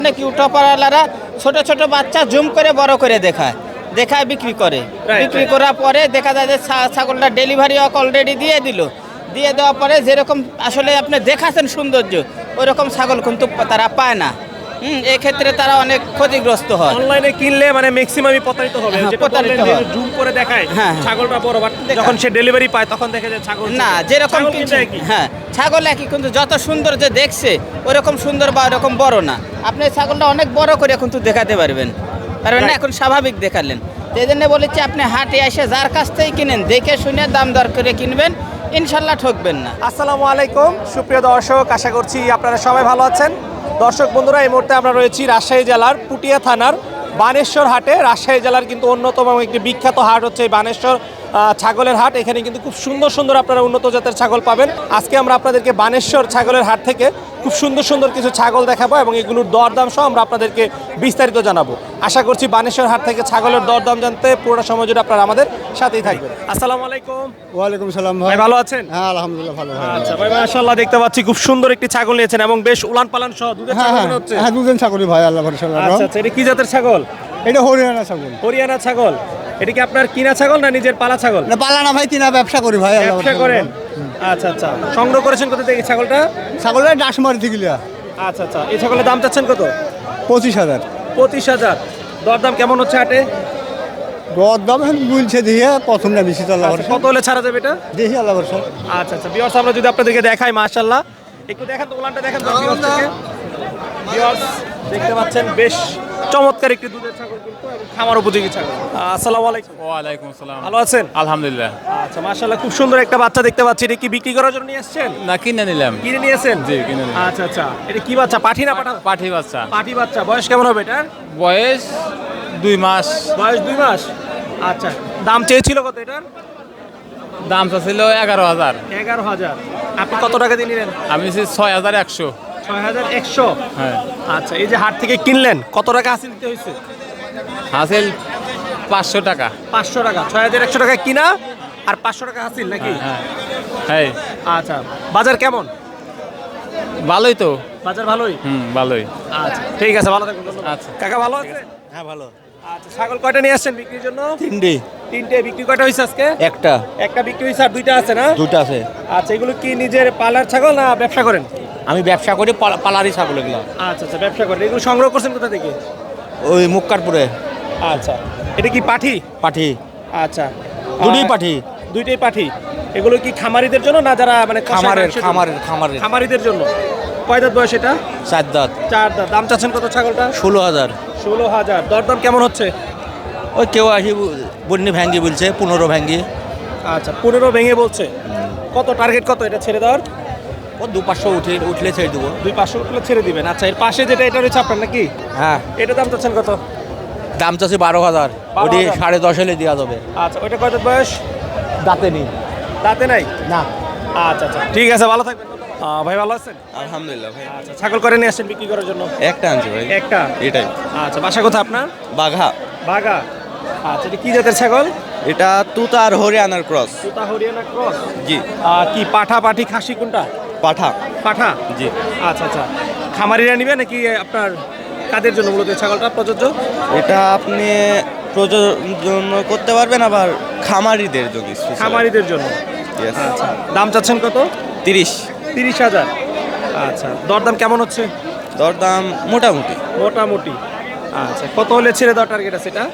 অনেক ইউটিউবাররা ছোট ছোট বাচ্চা জুম করে বড় করে দেখায় বিক্রি করে। বিক্রি করার পরে দেখা যায় যে ছাগলটা ডেলিভারি অলরেডি দিয়ে দেওয়ার পরে যেরকম আসলে আপনি দেখাচ্ছেন সৌন্দর্য ওই রকম ছাগল কিন্তু তারা পায় না। এই ক্ষেত্রে তারা অনেক ক্ষতিগ্রস্ত হয়। অনলাইনে কিনলে মানে ম্যাক্সিমামই প্রতারিত হবে, প্রতারিত হয়। জুম করে দেখায় ছাগলটা বড়, বাট যখন সে ডেলিভারি পায় তখন দেখে যে ছাগল না যেরকম ছাগল একই, কিন্তু যত সুন্দর যে দেখছে ওরকম সুন্দর বা ওরকম বড় না। আপনি ছাগলটা অনেক বড় করে কিন্তু দেখাতে পারবেন না, এখন স্বাভাবিক দেখালেন। এই জন্য বলেছি আপনি হাটে এসে যার কাছ থেকে কিনেন দেখে শুনে দাম দর করে কিনবেন, ইনশাল্লাহ ঠকবেন না। আসসালামু আলাইকুম সুপ্রিয় দর্শক, আশা করছি আপনারা সবাই ভালো আছেন। দর্শক বন্ধুরা, এই মুহূর্তে আমরা রয়েছি রাজশাহী জেলার পুঠিয়া থানার বানেশ্বর হাটে। রাজশাহী জেলার কিন্তু অন্যতম একটি বিখ্যাত হাট হচ্ছে এই বানেশ্বর ছাগলের হাট। এখানে কিন্তু খুব সুন্দর সুন্দর আপনারা উন্নত জাতের ছাগল পাবেন। আজকে আমরা আপনাদেরকে বানেশ্বর ছাগলের হাট থেকে খুব সুন্দর সুন্দর কিছু ছাগল দেখাবো এবং এগুলোর দরদাম সহ আমরা আপনাদেরকে বিস্তারিত জানাবো। আশা করছি বানেশ্বর হাট থেকে ছাগলের দরদাম জানতে পুরোটা সময় জুড়ে আপনারা আমাদের সাথেই থাকবেন। আসসালামু আলাইকুম। ওয়ালাইকুম সালাম ভাই, ভালো আছেন? হ্যাঁ আলহামদুলিল্লাহ ভালো। আচ্ছা ভাই, মাশাআল্লাহ দেখতে পাচ্ছি খুব সুন্দর একটি ছাগল নিয়েছেন এবং বেশ উলান পালান সহ দুধের ছাগল মনে হচ্ছে। হ্যাঁ দুধের ছাগলই ভাই, আল্লাহ ভরসা। আচ্ছা আচ্ছা, এটা কি জাতের ছাগল? এটা হরিয়ানা ছাগল। হরিয়ানা ছাগল। এটা কি আপনার কিনা ছাগল না নিজের পালা ছাগল? না পালা না ভাই, কিনা ব্যবসা করি ভাই। ব্যবসা করেন? আচ্ছা আচ্ছা, সংগ্রহ করেছেন কোথা থেকে ছাগলটা? ছাগলের ডাসমারি থেকে লিয়া। আচ্ছা আচ্ছা, এই ছাগলের দাম চাচ্ছেন কত? 25,000। 25,000। দরদাম কেমন হচ্ছে হাটে? দরদাম বলছে দিয়ে প্রথম না বেশি তো আল্লাহ ভরসা। কত হলে ছাড়া যাবে এটা? দেখি আল্লাহ ভরসা। আচ্ছা আচ্ছা, ভিউয়ার্স আমরা যদি আপনাদেরকে দেখাই, মাশাআল্লাহ একটু দেখেন তো, উলানটা দেখেন তো ভিউয়ার্সকে। ভিউয়ার্স দেখতে পাচ্ছেন বেশ চমৎকার একটি দুধের ছাগল কিন্তু এবং খামার উপযোগী ছাগল। আসসালামু আলাইকুম। ওয়ালাইকুম আসসালাম। ভালো আছেন? আলহামদুলিল্লাহ। আচ্ছা মাশাআল্লাহ, খুব সুন্দর একটা বাচ্চা দেখতে পাচ্ছি। এটা কি বিক্রি করার জন্য নিয়ে আসছেন? না, কিনে নিলাম। কিনে নিয়েছেন? জি, কিনে নিলাম। আচ্ছা আচ্ছা, এটা কি বাচ্চা, পাঠি না পাঠা? পাঠি বাচ্চা। পাঠি বাচ্চা। বয়স কেমন হবে এটার? বয়স 2 মাস। বয়স 2 মাস। আচ্ছা, দাম চেয়েছিল কত এটার? দাম ছিল 11,000। 11,000। আপনি কত টাকা দিয়ে নিলেন? আমি 6,100। 6,100। হ্যাঁ। আচ্ছা, এই যে হাট থেকে কিনলেন কত টাকা হাসিল দিতে হয়েছে? হাসিল 500 টাকা। 500 টাকা। 6,100 টাকা কিনা আর 500 টাকা হাসিল নাকি? হ্যাঁ হ্যাঁ। আচ্ছা, বাজার কেমন? ভালোই তো। বাজার ভালোই। ভালোই। আচ্ছা ঠিক আছে, ভালো থাকবেন। আচ্ছা কাকা ভালো আছে? হ্যাঁ ভালো। আচ্ছা, ছাগল কয়টা নিয়ে আসছেন বিক্রির জন্য? 3টে। 3টে। বিক্রি কয়টা হয়েছে আজকে? একটা। একটা বিক্রি হয়েছে আর 2টা আছে না? 2টা আছে। আচ্ছা, এগুলো কি নিজের পালার ছাগল না ব্যবসা করেন? আমি ব্যবসা করি, পালারি ছাগল এগুলো। আচ্ছা আচ্ছা, ব্যবসা করেন। এগুলো সংগ্রহ করছেন কোথা থেকে? ওই মুক্কারপুরে। আচ্ছা, এটা কি পাঠি? পাঠি। আচ্ছা, দুটোই পাঠি। দুইটাই পাঠি। এগুলো কি খামারিদের জন্য না যারা মানে খামারিদের জন্য? কয় দাঁত বয়স এটা? 4 দাঁত। 4 দাঁত। দাম চাচ্ছেন কত ছাগলটা? 16,000। 16,000। দরদাম কেমন হচ্ছে? ওই কেউ আসি বন্যি ভ্যাঙ্গি বলছে, 15 ভ্যাঙ্গি। আচ্ছা, 15 ভেঙে বলছে। কত টার্গেট, কত এটা ছেড়ে দেওয়ার? ও 2-500 উঠলে ছেড়ে দেবো। 200-500 উঠলে ছেড়ে দিবেন। আচ্ছা, এর পাশে যেটা, এটা রয়েছে আপনার নাকি? হ্যাঁ। এটা দাম চাচ্ছেন কত? দাম চাচ্ছি 12,000। ওটি 10.5 হলে দেওয়া যাবে। আচ্ছা, ওইটা কয় দাঁত বয়স? দাঁতে নেই। দাঁতে নাই না। আচ্ছা আচ্ছা, ঠিক আছে, ভালো থাকবেন। ভাই ভালো আছেন? আলহামদুলিল্লাহ ভাই। আচ্ছা, ছাগল করে নিয়ে আসছেন বিক্রি করার জন্য? একটা আনছি ভাই। একটা? এটাই। আচ্ছা, বাসা কোথায় আপনার? বাঘা। বাগা। আচ্ছা, এটা কি জাতের ছাগল? এটা তুতা আর হরিয়ানার ক্রস। তুতা হরিয়ানা ক্রস। জি। কি পাঠা পাঠি খাসি কোনটা? পাঠা। পাঠা। জি। আচ্ছা আচ্ছা, খামারিরা নিবে নাকি আপনার কাদের জন্য মূলত এই ছাগলটা প্রযোজ্য? এটা আপনি প্রযোজন করতে পারবেন, আবার খামারিদের জন্য। খামারিদের জন্য। Yes. আচ্ছা, দাম চাচ্ছেন কত? 30,000। আচ্ছা, দরদাম কেমন হচ্ছে? দরদাম মোটামুটি। মোটামুটি। আচ্ছা, কত হলে ছেড়ে দেওয়ার টার্গেট আছে এটা?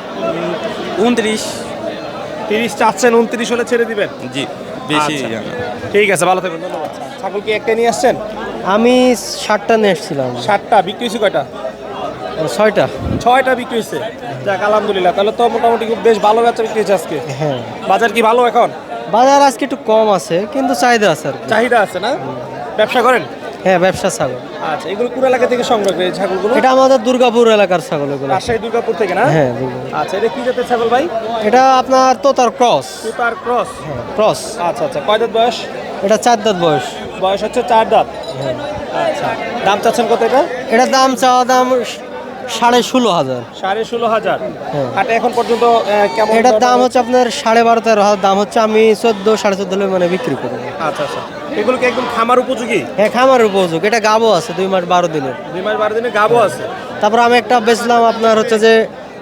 29। 30 চাচ্ছেন, 29 হলে ছেড়ে দিবেন? জি, বেশি আচ্ছা, জানা। ঠিক আছে, ভালো থাকবেন, ধন্যবাদ। ছাগল কি একটা নিয়ে আসছেন? আমি 7টা নিয়ে এসেছিলাম। 7টা। বিক্রি হয়েছে কয়টা? 6টা। 6টা বিক্রি হয়েছে। যাক আলহামদুলিল্লাহ, তাহলে তো মোটামুটি খুব বেশ ভালো বেচা বিক্রি হয়েছে আজকে। হ্যাঁ, বাজার কি ভালো এখন? বাজার আজকে একটু কম আছে, কিন্তু চাহিদা আছে আর কি। চাহিদা আছে না? ব্যবসা করেন? হ্যাঁ, ব্যবসা ছাগল। আচ্ছা, এগুলো কোন এলাকা থেকে সংগ্রহ করে এই ছাগলগুলো? এটা আমাদের দুর্গাপুর এলাকার ছাগল এগুলো। রাজশাহী দুর্গাপুর থেকে না? হ্যাঁ, দুর্গাপুর। আচ্ছা, এটা কি জাতের ছাগল ভাই? এটা আপনার তোতার ক্রস। সুতার ক্রস। হ্যাঁ, ক্রস। আচ্ছা আচ্ছা, কয় দাঁত বয়স? এটা 4 দাঁত বয়স। বয়স হচ্ছে 4 দাঁত। হ্যাঁ। আচ্ছা, দাম চাচ্ছেন কত এটা? এটা দাম চাওয়া দাম 16,500। 16,500। হ্যাঁ। হাটে এখন পর্যন্ত কেমন? এটার দাম হচ্ছে আপনার 12.5-13,000 দাম হচ্ছে। আমি 14, 14.5 হলে মানে বিক্রি করি। আচ্ছা আচ্ছা, এগুলো কি একদম খামার উপযোগী? হ্যাঁ খামার উপযোগ, এটা গাবও আছে 2 মাস 12 দিনের। 2 মাস 12 দিনে গাবও আছে। তারপর আমি একটা বেচলাম আপনার হচ্ছে যে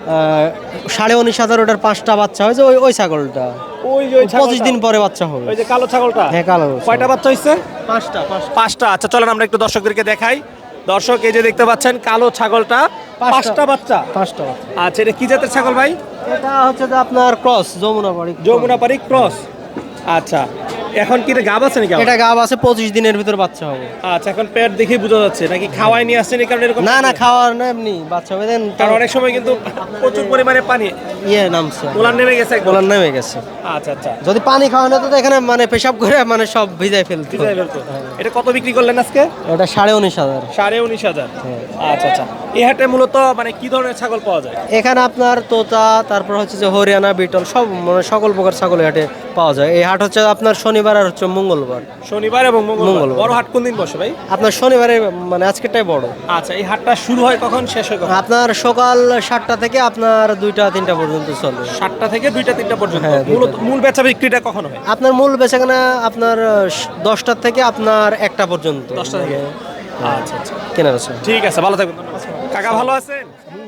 19,500, ওটার 5টা বাচ্চা হয়েছে, ওই ছাগলটা ওই যে ওই 25 দিন পরে বাচ্চা হবে। ওই যে কালো ছাগলটা? হ্যাঁ কালো। কয়টা বাচ্চা হইছে? 5টা। 5টা। আচ্ছা চলেন আমরা একটু দর্শকদেরকে দেখাই। দর্শক এই যে দেখতে পাচ্ছেন কালো ছাগলটা, 5টা বাচ্চা। 5টা। আচ্ছা এটা কি জাতের ছাগল ভাই? এটা হচ্ছে যে আপনার ক্রস, যমুনাপাড়ি ক্রস। আচ্ছা এখন কি এটা গাব আছে নাকি? এটা গাব আছে, 25 দিনের ভিতর বাচ্চা হবে। আচ্ছা এখন পেট দেখে বোঝা যাচ্ছে নাকি খাওয়াই নিয়ে আসছেন এই কারণে এরকম? না খাওয়ার না, এমনি বাচ্চা হবে। দেন কারণ অনেক সময় কিন্তু প্রচুর পরিমাণে পানি নামছে, ওলান নেমে গেছে একদম। গোলান নেমে গেছে। আচ্ছা আচ্ছা যদি পানি খাওয়ানো তো এখানে মানে পেশাব করে মানে সব ভিজাই ফেলতো। বুঝাই ফেলতো। এটা কত বিক্রি করলেন আজকে? এটা 19,500। 19,500। হ্যাঁ। আচ্ছা আচ্ছা এই হাটে মূলত মানে কি ধরনের ছাগল পাওয়া যায়? এখানে আপনার তোতা, তারপর হচ্ছে যে হরিয়ানা, বিটল, সব মানে সকল প্রকার ছাগল হাটে পাওয়া যায়। এই হাট হচ্ছে আপনার শনিবার আর হচ্ছে মঙ্গলবার। শনিবার এবং মঙ্গলবার। মঙ্গলবার। বড় হাট কোন দিন বসে ভাই? আপনার শনিবারে মানে আজকেরটাই বড়। আচ্ছা এই হাটটা শুরু হয় কখন, শেষ হয় কখন? আপনার সকাল 7টা থেকে আপনার 2টা-3টা পর্যন্ত চলে। 7টা থেকে 2টা 3টা পর্যন্ত। হ্যাঁ, মূল বেচা বিক্রিটা কখন হয়? আপনার মূল বেচাকেনা আপনার 10টা থেকে আপনার 1টা পর্যন্ত। 10টা থেকে? আচ্ছা আচ্ছা কেনা বেচা। ঠিক আছে, ভালো থাকবেন। কাকা ভালো আছেন?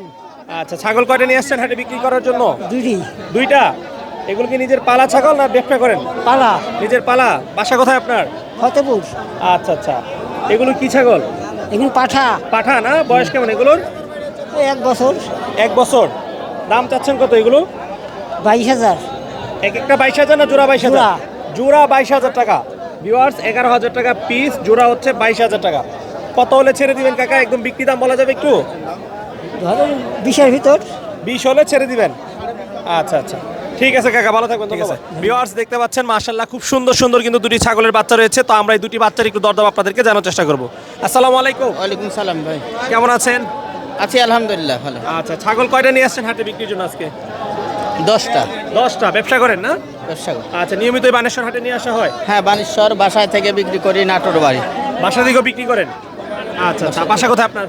আচ্ছা ছাগল কয়টা নিয়ে আসছেন হাটে বিক্রি করার জন্য? 2টা। এগুলো কি নিজের পালা ছাগল না ব্যবসা করেন? পালা। নিজের পালা। বাসা কোথায় আপনার? ফতেপুর। আচ্ছা আচ্ছা এগুলো কি ছাগল? এগুলো পাঠা। পাঠা না? বয়স কেমন এগুলোর? 1 বছর। 1 বছর। দাম চাচ্ছেন কত এগুলো? 22,000। এক একটা 22,000 না জোড়া 22,000? জোড়া। জোড়া 22,000 টাকা। ভিউয়ার্স 11,000 টাকা পিস, জোড়া হচ্ছে 22,000 টাকা। কত হলে ছেড়ে দিবেন কাকা? একদম বিক্রি দাম বলা যাবে একটু? ধরেন 20-এর ভিতর। 20 হলে ছেড়ে দিবেন। আচ্ছা আচ্ছা ঠিক আছে কাকা, ভালো থাকবেন। ধন্যবাদ। ভিউয়ার্স দেখতে পাচ্ছেন মাশাআল্লাহ খুব সুন্দর সুন্দর কিন্তু দুটি ছাগলের বাচ্চা রয়েছে। তো আমরা এই দুটি বাচ্চার একটু দরদাম আপনাদেরকে জানার চেষ্টা করব। আসসালামু আলাইকুম। ওয়ালাইকুম সালাম ভাই। কেমন আছেন? আছি আলহামদুলিল্লাহ ভালো। আচ্ছা ছাগল কয়টা নিয়ে আসছেন হাটে বিক্রির জন্য আজকে? 10টা। 10টা। ব্যবসা করেন না? ব্যবসা করি। আচ্ছা নিয়মিত এই বানেশ্বর হাটে নিয়ে আসা হয়? হ্যাঁ বানেশ্বর বাসায় থেকে বিক্রি করি, নাটোর বাড়ি। বাসা থেকেও বিক্রি করেন? আচ্ছা আচ্ছা বাসা কোথায় আপনার?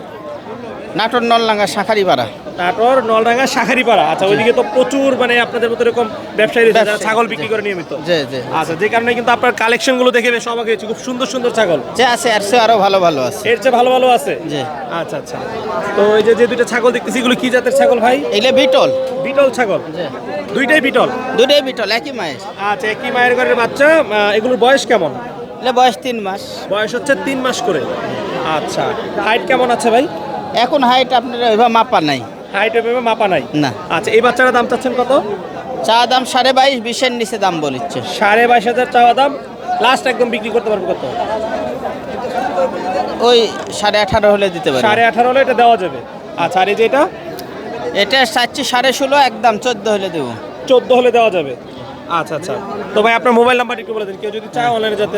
নাটোর নলডাঙ্গা শাখারিপাড়া। নাটোর নলডাঙ্গা শাখারিপাড়া। আচ্ছা ওইদিকে তো প্রচুর মানে আপনাদের মতো এরকম ব্যবসায়ী রয়েছে যারা ব্যবসায়ী, ছাগল বিক্রি করে নিয়মিত। জি জি। আচ্ছা যে কারণে কিন্তু আপনার কালেকশনগুলো দেখে বেশ অবাক হয়েছি, খুব সুন্দর সুন্দর ছাগল। যে আছে আর সে আরো ভালো ভালো আছে। এর চেয়ে ভালো ভালো আছে? জি। আচ্ছা আচ্ছা তো এই যে দুইটা ছাগল দেখতেছি এগুলো কি জাতের ছাগল ভাই? এগুলো বিটল। বিটল ছাগল? জি। দুইটাই বিটল? দুটোই বিটল, একই মায়ের। আচ্ছা একই মায়ের ঘরের বাচ্চা। এগুলোর বয়স কেমন? এগুলো বয়স 3 মাস। বয়স হচ্ছে 3 মাস করে। আচ্ছা হাইট কেমন আছে ভাই? এখন হাইট আপনার ওইভাবে মাপা নাই। হাইট এভাবে মাপা নাই? না। আচ্ছা এই বাচ্চাটার দাম চাচ্ছেন কত? চা দাম 22.5, 20-এর নিচে দাম বলিচ্ছে। 22,500 চাওয়া দাম। লাস্ট একদম বিক্রি করতে পারবো কত? ওই 18.5 হলে দিতে পারি। 18.5 হলে এটা দেওয়া যাবে। আচ্ছা আর এই যে এটা? এটা চাচ্ছি 16.5, একদম 14 হলে দেবো। 14 হলে দেওয়া যাবে। আচ্ছা আচ্ছা তো ভাই আপনার মোবাইল নাম্বার একটু বলে দিন, কেউ যদি চায় অনলাইনে যাতে।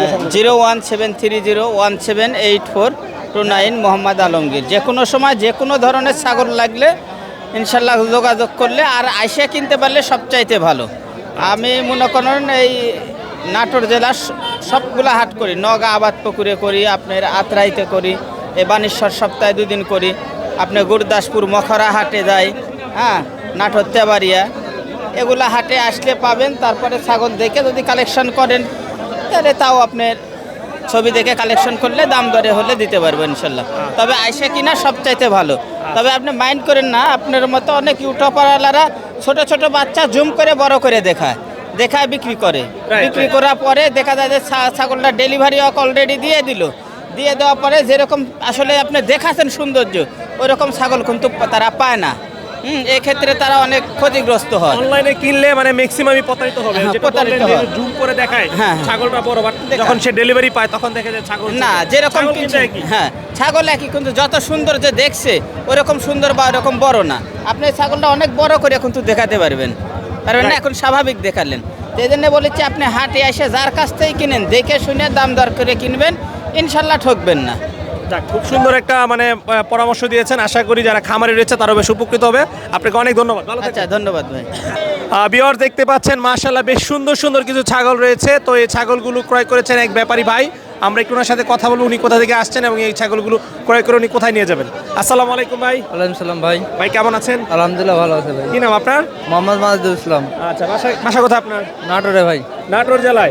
017301749 মোহাম্মদ আলমগীর। যে কোনো সময় যে কোনো ধরনের ছাগল লাগলে ইনশাল্লাহ যোগাযোগ করলে আর আইসা কিনতে পারলে সবচাইতে ভালো। আমি মনে করেন এই নাটোর জেলার সবগুলা হাট করি। নওগাঁ আবাদ পুকুরে করি, আপনার আত্রাইতে করি, এই বানেশ্বর সপ্তাহে 2 দিন করি, আপনি গুরদাসপুর মখরা হাটে যাই, হ্যাঁ নাটোর তেবাড়িয়া, এগুলা হাটে আসলে পাবেন। তারপরে ছাগল দেখে যদি কালেকশন করেন তাহলে তাও আপনার ছবি দেখে কালেকশন করলে দাম দরে হলে দিতে পারবো ইনশাল্লাহ। তবে আইসা কিনা সবচাইতে ভালো। তবে আপনি মাইন্ড করেন না, আপনার মতো অনেক ইউটিউবাররা ছোট ছোট বাচ্চা জুম করে বড় করে দেখায় বিক্রি করে। বিক্রি করার পরে দেখা যায় যে ছাগলটা ডেলিভারি অলরেডি দিয়ে দেওয়ার পরে যেরকম আসলে আপনি দেখাচ্ছেন সৌন্দর্য, ওই রকম ছাগল কিন্তু তারা পায় না। এক্ষেত্রে তারা অনেক ক্ষতিগ্রস্ত হয়। অনলাইনে কিনলে মানে ম্যাক্সিমামই প্রতারিত হবে। হ্যাঁ, যেটা প্রতারিত বললেন যে হয়। জুম করে দেখায় হ্যাঁ, ছাগলটা বড়, বাট যখন সে ডেলিভারি পায় তখন দেখে যে ছাগল না যেরকম ছাগল কিছু, কিন্তু একই। হ্যাঁ ছাগল একই, কিন্তু যত সুন্দর যে দেখছে ওরকম সুন্দর বা ওরকম বড় না। আপনি ছাগলটা অনেক বড় করে কিন্তু দেখাতে পারবেন না, এখন স্বাভাবিক দেখালেন। এই জন্য বলেছি আপনি হাটে এসে যার কাছ থেকে কিনেন দেখে শুনে দাম দর করে কিনবেন, ইনশাল্লাহ ঠকবেন না। যাক, খুব সুন্দর একটা মানে পরামর্শ দিয়েছেন। আশা করি যারা খামারে রয়েছে তারা বেশ উপকৃত হবে। আপনাকে অনেক ধন্যবাদ। ভালো থাকবেন। আচ্ছা ধন্যবাদ ভাই। ভিউয়ার্স দেখতে পাচ্ছেন মাশাআল্লাহ বেশ সুন্দর সুন্দর কিছু ছাগল রয়েছে। তো এই ছাগলগুলো ক্রয় করেছেন এক ব্যাপারী ভাই। আমরা একটু ওনার সাথে কথা বলবো, উনি কোথা থেকে আসছেন এবং এই ছাগলগুলো ক্রয় করে উনি কোথায় নিয়ে যাবেন। আসসালামু আলাইকুম ভাই। ওয়ালাইকুম সালাম ভাই। ভাই কেমন আছেন? আলহামদুলিল্লাহ ভালো আছে ভাই। কি নাম আপনার? মোহাম্মদ মাজিদুল ইসলাম। আচ্ছা বাসা কোথায় আপনার? নাটোরে ভাই। নাটোর জেলায়।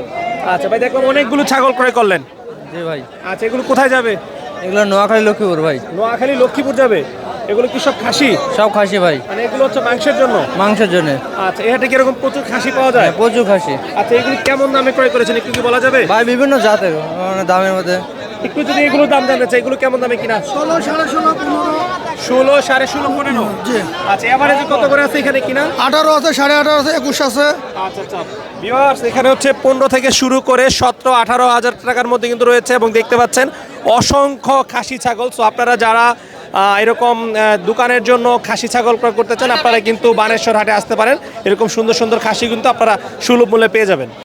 আচ্ছা ভাই, দেখলাম অনেকগুলো ছাগল ক্রয় করলেন। জি ভাই, আচ্ছা, এগুলো কোথায় যাবে? এগুলো নোয়াখালী লক্ষ্মীপুর ভাই। নোয়াখালী লক্ষ্মীপুর যাবে। এগুলো কি সব খাসি? সব খাসি ভাই, মানে এগুলো হচ্ছে মাংসের জন্য? মাংসের জন্য। আচ্ছা, এই হাটে কিরকম প্রচুর খাসি পাওয়া যায়? প্রচুর খাসি আচ্ছা, এগুলো কেমন দামে ক্রয় করেছেন একটু কি বলা যাবে? ভাই, বিভিন্ন জাতের দামের মধ্যে। একটু যদি এগুলো দাম জানতে চাই, এগুলো কেমন দামে কিনা? 16, 16.5, 15, 16, 16.5, 15। জি। আচ্ছা, এভারেজে কত করে আছে এখানে কিনা? 18 আছে, 18.5 আছে, 21 আছে। আচ্ছা আচ্ছা ভিউয়ার্স, এখানে হচ্ছে 15 থেকে শুরু করে 17-18 হাজার টাকার মধ্যে কিন্তু রয়েছে এবং দেখতে পাচ্ছেন অসংখ্য খাসি ছাগল। সো আপনারা যারা এরকম দোকানের জন্য খাসি ছাগল ক্রয় করতে চান, আপনারা কিন্তু বানেশ্বর হাটে আসতে পারেন। এরকম সুন্দর সুন্দর খাসি কিন্তু আপনারা সুলভ মূল্যে পেয়ে যাবেন।